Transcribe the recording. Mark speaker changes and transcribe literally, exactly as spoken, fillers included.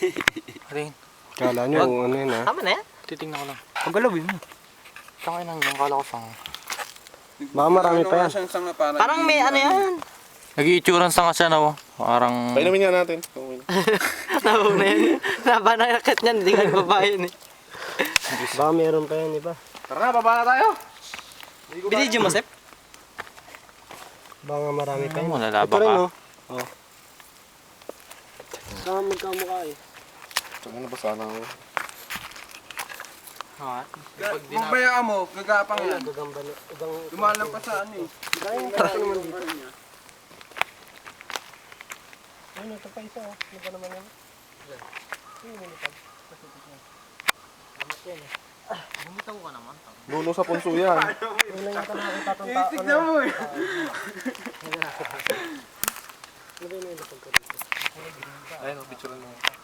Speaker 1: Rin.
Speaker 2: Kala nyo kung ano yun ha?
Speaker 3: Tama na yan.
Speaker 1: Titingnan ko lang. Paggalawin mo. Tangay nang yung kala ko sanga.
Speaker 2: Baka marami pa yan.
Speaker 3: Parang may ano yan.
Speaker 1: Nag-iitsuran sanga siya na. Parang...
Speaker 4: Painumin nga natin.
Speaker 3: Nauna yan. Naba na nakit niyan. Hindi ka babayin eh.
Speaker 2: Baka meron pa yan iba.
Speaker 4: Tara na, baba na tayo.
Speaker 3: Binidyo mo, Sep?
Speaker 2: Baka marami pa yan.
Speaker 1: Ano mo, nalaba
Speaker 2: Ito rin
Speaker 1: ka?
Speaker 2: oh. Oh. Saka magkamukha eh.
Speaker 4: Tsaka na ba sana ako?
Speaker 1: Ha?
Speaker 5: Magbayaan mo, gagapang
Speaker 2: Ayun,
Speaker 5: yan.
Speaker 2: gagamba na. Igang...
Speaker 5: Lumalang pa sa ano eh.
Speaker 2: Ayun, kasi naman dito. Ayun, ito pa isa oh. Ano ba naman yan? Ayun, lumipad. Amat yan eh.
Speaker 1: Bumitaw ka naman.
Speaker 4: Nuno sa punso yan.
Speaker 2: Ayun lang yung nakakita itong
Speaker 5: Eh,
Speaker 2: tao.
Speaker 5: tignan mo eh.
Speaker 2: Ano ba yung nilipad ko dito?
Speaker 4: Ayun, picture mo.